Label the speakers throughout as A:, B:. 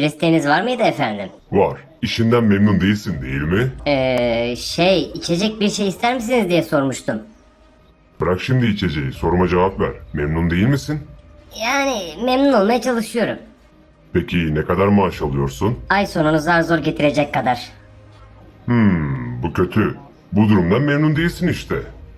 A: Bir isteğiniz var mıydı efendim?
B: Var. İşinden memnun değilsin değil mi?
A: İçecek bir şey ister misiniz diye sormuştum.
B: Bırak şimdi içeceği. Soruma cevap ver. Memnun değil misin?
A: Yani memnun olmaya çalışıyorum.
B: Peki ne kadar maaş alıyorsun?
A: Ay sonunu zar zor getirecek kadar.
B: Bu kötü. Bu durumdan memnun değilsin işte.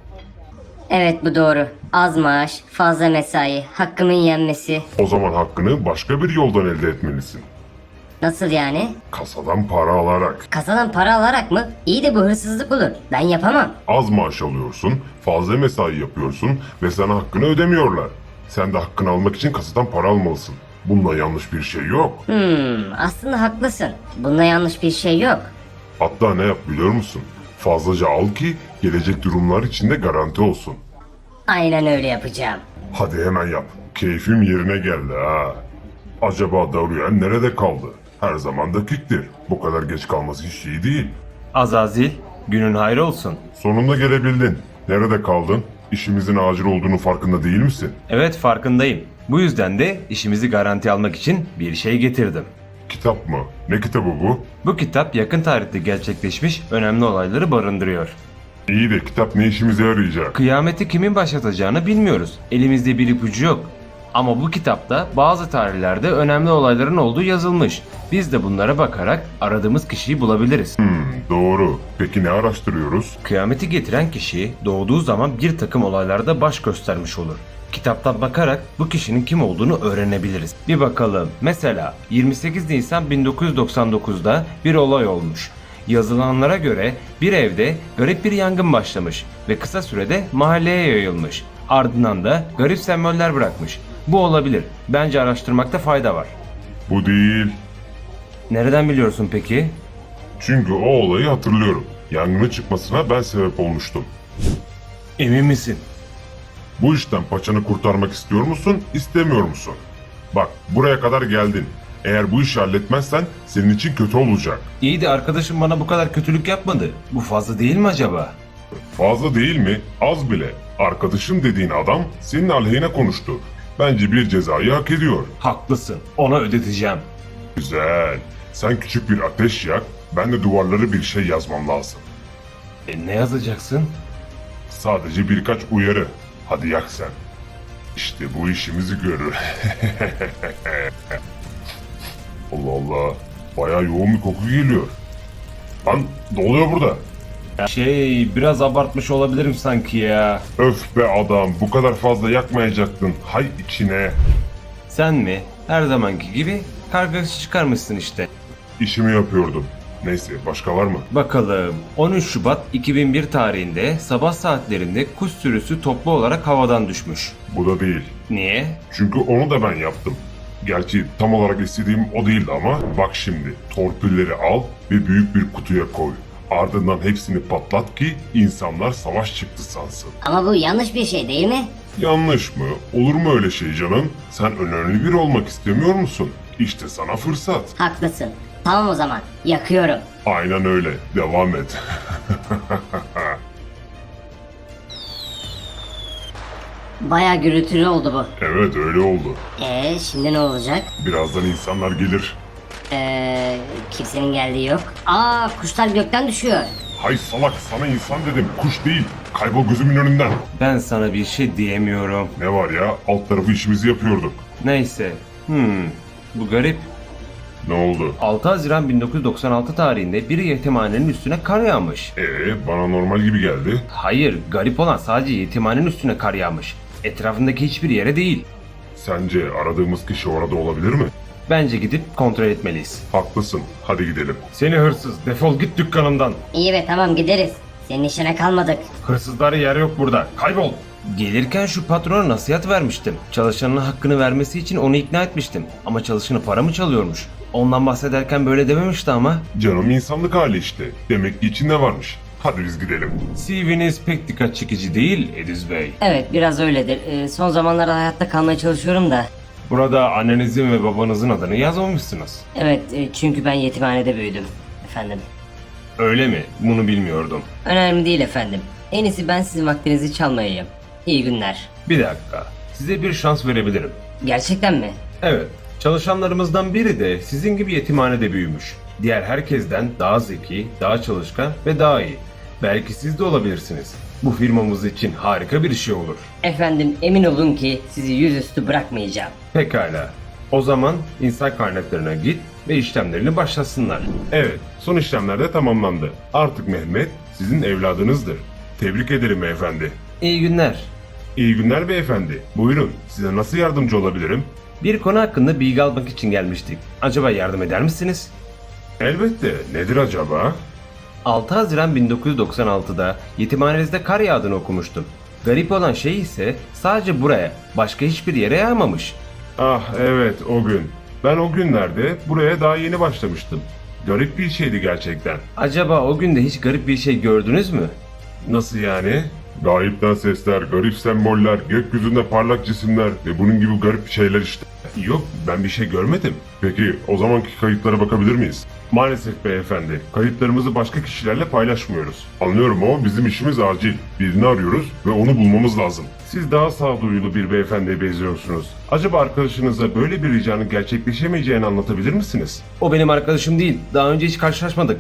A: Evet bu doğru. Az maaş, fazla mesai, hakkımın yenmesi.
B: O zaman hakkını başka bir yoldan elde etmelisin.
A: Nasıl yani?
B: Kasadan para alarak.
A: Kasadan para alarak mı? İyi de bu hırsızlık olur. Ben yapamam.
B: Az maaş alıyorsun, fazla mesai yapıyorsun ve sana hakkını ödemiyorlar. Sen de hakkını almak için kasadan para almalısın. Bunda yanlış bir şey yok.
A: Aslında haklısın. Bunda yanlış bir şey yok.
B: Hatta ne yap biliyor musun? Fazlaca al ki gelecek durumlar içinde garanti olsun.
A: Aynen öyle yapacağım.
B: Hadi hemen yap. Keyfim yerine geldi ha. Acaba Dorian nerede kaldı? Her zaman dakiktir. Bu kadar geç kalması hiç iyi değil.
C: Azazil, günün hayrı olsun.
B: Sonunda gelebildin. Nerede kaldın? İşimizin acil olduğunu farkında değil misin?
C: Evet, farkındayım. Bu yüzden de işimizi garanti almak için bir şey getirdim.
B: Kitap mı? Ne kitabı bu?
C: Bu kitap yakın tarihte gerçekleşmiş önemli olayları barındırıyor.
B: İyi de kitap ne işimize yarayacak?
C: Kıyameti kimin başlatacağını bilmiyoruz. Elimizde bir ipucu yok. Ama bu kitapta bazı tarihlerde önemli olayların olduğu yazılmış. Biz de bunlara bakarak aradığımız kişiyi bulabiliriz.
B: Doğru. Peki ne araştırıyoruz?
C: Kıyameti getiren kişi doğduğu zaman bir takım olaylarda baş göstermiş olur. Kitaptan bakarak bu kişinin kim olduğunu öğrenebiliriz. Bir bakalım. Mesela 28 Nisan 1999'da bir olay olmuş. Yazılanlara göre bir evde garip bir yangın başlamış ve kısa sürede mahalleye yayılmış. Ardından da garip semboller bırakmış. Bu olabilir. Bence araştırmakta fayda var.
B: Bu değil.
C: Nereden biliyorsun peki?
B: Çünkü o olayı hatırlıyorum. Yangının çıkmasına ben sebep olmuştum.
C: Emin misin?
B: Bu işten paçanı kurtarmak istiyor musun, istemiyor musun? Bak, buraya kadar geldin. Eğer bu işi halletmezsen senin için kötü olacak.
C: İyi de arkadaşım bana bu kadar kötülük yapmadı. Bu fazla değil mi acaba?
B: Fazla değil mi? Az bile. Arkadaşım dediğin adam senin aleyhine konuştu. Bence bir cezayı hak ediyor.
C: Haklısın. Ona ödeteceğim.
B: Güzel. Sen küçük bir ateş yak, ben de duvarlara bir şey yazmam lazım.
C: Ne yazacaksın?
B: Sadece birkaç uyarı. Hadi yak sen. İşte bu işimizi görür. Allah Allah. Bayağı yoğun bir koku geliyor. Lan ne oluyor burada?
C: Biraz abartmış olabilirim sanki ya.
B: Öf be adam, bu kadar fazla yakmayacaktın. Hay içine.
C: Sen mi? Her zamanki gibi kargası çıkarmışsın işte.
B: İşimi yapıyordum. Neyse, başka var mı?
C: Bakalım. 13 Şubat 2001 tarihinde sabah saatlerinde kuş sürüsü toplu olarak havadan düşmüş.
B: Bu da değil.
C: Niye?
B: Çünkü onu da ben yaptım. Gerçi tam olarak istediğim o değildi ama bak şimdi torpilleri al ve büyük bir kutuya koy. Ardından hepsini patlat ki insanlar savaş çıktı sansın.
A: Ama bu yanlış bir şey değil mi?
B: Yanlış mı? Olur mu öyle şey canım? Sen önemli biri olmak istemiyor musun? İşte sana fırsat.
A: Haklısın. Tamam o zaman. Yakıyorum.
B: Aynen öyle. Devam et.
A: Baya gürültülü oldu bu.
B: Evet öyle oldu.
A: Şimdi ne olacak?
B: Birazdan insanlar gelir.
A: Kimsenin geldiği yok. Aa, kuşlar gökten düşüyor.
B: Hay salak, sana insan dedim, kuş değil. Kaybol gözümün önünden.
C: Ben sana bir şey diyemiyorum.
B: Ne var ya, alt tarafı işimizi yapıyorduk.
C: Neyse. Bu garip.
B: Ne oldu?
C: 6 Haziran 1996 tarihinde bir yetimhanenin üstüne kar yağmış.
B: Bana normal gibi geldi.
C: Hayır, garip olan sadece yetimhanenin üstüne kar yağmış. Etrafındaki hiçbir yere değil.
B: Sence aradığımız kişi orada olabilir mi?
C: Bence gidip kontrol etmeliyiz.
B: Haklısın, hadi gidelim.
C: Seni hırsız, defol git dükkanımdan.
A: İyi be tamam gideriz. Senin işine kalmadık.
C: Hırsızlara yer yok burada. Kaybol. Gelirken şu patrona nasihat vermiştim. Çalışanın hakkını vermesi için onu ikna etmiştim. Ama çalışanı para mı çalıyormuş? Ondan bahsederken böyle dememişti ama.
B: Canım insanlık hali işte. Demek ki içinde varmış. Hadi biz gidelim.
C: CV'niz pek dikkat çekici değil Ediz Bey.
A: Evet biraz öyledir. Son zamanlarda hayatta kalmaya çalışıyorum da.
C: Burada annenizin ve babanızın adını yazmamışsınız.
A: Evet çünkü ben yetimhanede büyüdüm. Efendim.
C: Öyle mi? Bunu bilmiyordum.
A: Önemli değil efendim. En iyisi ben sizin vaktinizi çalmayayım. İyi günler.
C: Bir dakika. Size bir şans verebilirim.
A: Gerçekten mi?
C: Evet. Çalışanlarımızdan biri de sizin gibi yetimhanede büyümüş. Diğer herkesten daha zeki, daha çalışkan ve daha iyi. Belki siz de olabilirsiniz. Bu firmamız için harika bir şey olur.
A: Efendim emin olun ki sizi yüzüstü bırakmayacağım.
C: Pekala. O zaman insan kaynaklarına git ve işlemlerini başlasınlar. Evet, son işlemler de tamamlandı. Artık Mehmet sizin evladınızdır. Tebrik ederim beyefendi. İyi günler. İyi günler beyefendi. Buyurun, size nasıl yardımcı olabilirim? Bir konu hakkında bilgi almak için gelmiştik. Acaba yardım eder misiniz? Elbette. Nedir acaba? 6 Haziran 1996'da yetimhanenizde kar yağdığını okumuştum. Garip olan şey ise sadece buraya, başka hiçbir yere yağmamış. Ah evet, o gün. Ben o günlerde buraya daha yeni başlamıştım. Garip bir şeydi gerçekten. Acaba o günde hiç garip bir şey gördünüz mü? Nasıl yani?
B: Gayipten sesler, garip semboller, gökyüzünde parlak cisimler ve bunun gibi garip şeyler işte.
C: Yok, ben bir şey görmedim.
B: Peki o zamanki kayıtlara bakabilir miyiz?
C: Maalesef beyefendi, kayıtlarımızı başka kişilerle paylaşmıyoruz.
B: Anlıyorum ama bizim işimiz acil. Birini arıyoruz ve onu bulmamız lazım.
C: Siz daha sağduyulu bir beyefendiye benziyorsunuz. Acaba arkadaşınıza böyle bir ricanın gerçekleşemeyeceğini anlatabilir misiniz? O benim arkadaşım değil. Daha önce hiç karşılaşmadık.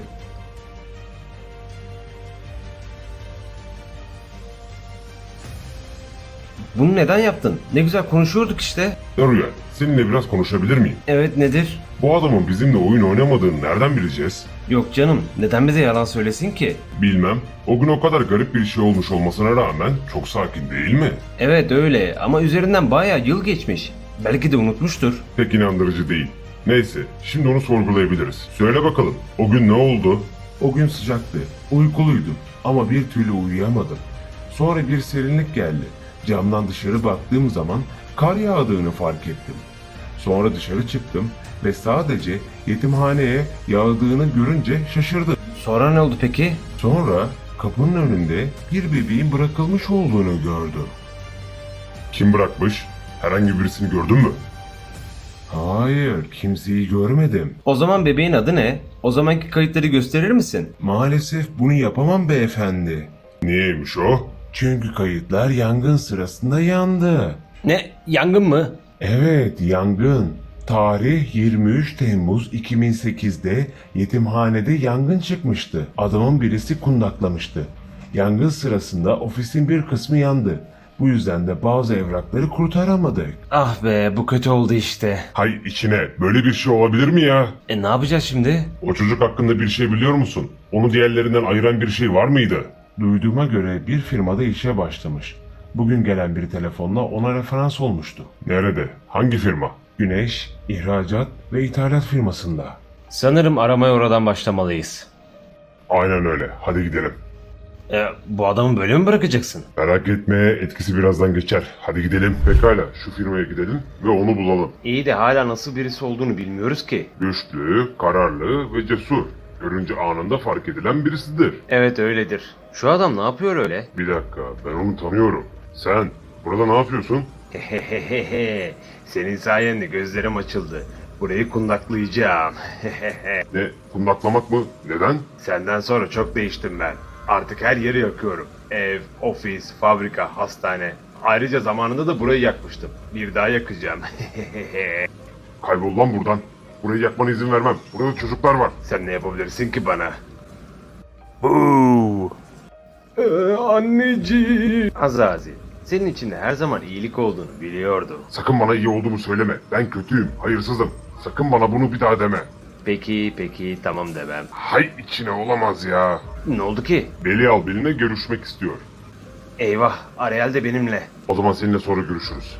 C: Bunu neden yaptın? Ne güzel konuşuyorduk işte.
B: Rüya, seninle biraz konuşabilir miyim?
C: Evet, nedir?
B: Bu adamın bizimle oyun oynamadığını nereden bileceğiz?
C: Yok canım, neden bize yalan söylesin ki?
B: Bilmem. O gün o kadar garip bir şey olmuş olmasına rağmen çok sakin değil mi?
C: Evet öyle ama üzerinden bayağı yıl geçmiş. Belki de unutmuştur.
B: Pek inandırıcı değil. Neyse, şimdi onu sorgulayabiliriz. Söyle bakalım, o gün ne oldu?
C: O gün sıcaktı, uykuluydum ama bir türlü uyuyamadım. Sonra bir serinlik geldi. Camdan dışarı baktığım zaman kar yağdığını fark ettim. Sonra dışarı çıktım ve sadece yetimhaneye yağdığını görünce şaşırdım. Sonra ne oldu peki? Sonra kapının önünde bir bebeğin bırakılmış olduğunu gördüm.
B: Kim bırakmış? Herhangi birisini gördün mü?
C: Hayır, kimseyi görmedim. O zaman bebeğin adı ne? O zamanki kayıtları gösterir misin? Maalesef bunu yapamam beyefendi.
B: Niyeymiş o?
C: Çünkü kayıtlar yangın sırasında yandı. Ne? Yangın mı? Evet, yangın. Tarih 23 Temmuz 2008'de yetimhanede yangın çıkmıştı. Adamın birisi kundaklamıştı. Yangın sırasında ofisin bir kısmı yandı. Bu yüzden de bazı evrakları kurtaramadık. Ah be, bu kötü oldu işte.
B: Hay içine, böyle bir şey olabilir mi ya?
C: Ne yapacağız şimdi?
B: O çocuk hakkında bir şey biliyor musun? Onu diğerlerinden ayıran bir şey var mıydı?
C: Duyduğuma göre bir firmada işe başlamış. Bugün gelen bir telefonla ona referans olmuştu.
B: Nerede? Hangi firma?
C: Güneş, ihracat ve ithalat firmasında. Sanırım aramaya oradan başlamalıyız.
B: Aynen öyle. Hadi gidelim.
C: Bu adamı böyle mi bırakacaksın?
B: Merak etme, etkisi birazdan geçer. Hadi gidelim. Pekala, şu firmaya gidelim ve onu bulalım.
C: İyi de hala nasıl birisi olduğunu bilmiyoruz ki.
B: Güçlü, kararlı ve cesur. Görünce anında fark edilen birisidir.
C: Evet öyledir. Şu adam ne yapıyor öyle?
B: Bir dakika, ben onu tanıyorum. Sen, burada ne yapıyorsun?
C: Senin sayende gözlerim açıldı. Burayı kundaklayacağım.
B: Ne, kundaklamak mı? Neden?
C: Senden sonra çok değiştim ben. Artık her yeri yakıyorum. Ev, ofis, fabrika, hastane. Ayrıca zamanında da burayı yakmıştım. Bir daha yakacağım.
B: Kaybol lan buradan. Burayı yakmana izin vermem. Burada çocuklar var.
C: Sen ne yapabilirsin ki bana? Anneciğim. Azazi, senin içinde her zaman iyilik olduğunu biliyordum.
B: Sakın bana iyi olduğumu söyleme. Ben kötüyüm, hayırsızım. Sakın bana bunu bir daha deme.
C: Peki, tamam demem.
B: Hay içine olamaz ya.
C: Ne oldu ki?
B: Belial benimle görüşmek istiyor.
C: Eyvah, Ariel de benimle.
B: O zaman seninle sonra görüşürüz.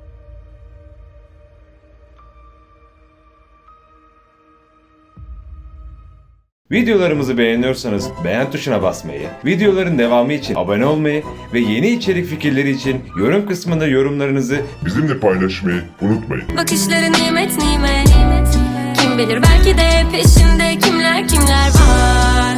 D: Videolarımızı beğeniyorsanız beğen tuşuna basmayı, videoların devamı için abone olmayı ve yeni içerik fikirleri için yorum kısmında yorumlarınızı
B: Bizimle paylaşmayı unutmayın.
E: Bakışları nimet nimet. Kim bilir belki de peşinde kimler var.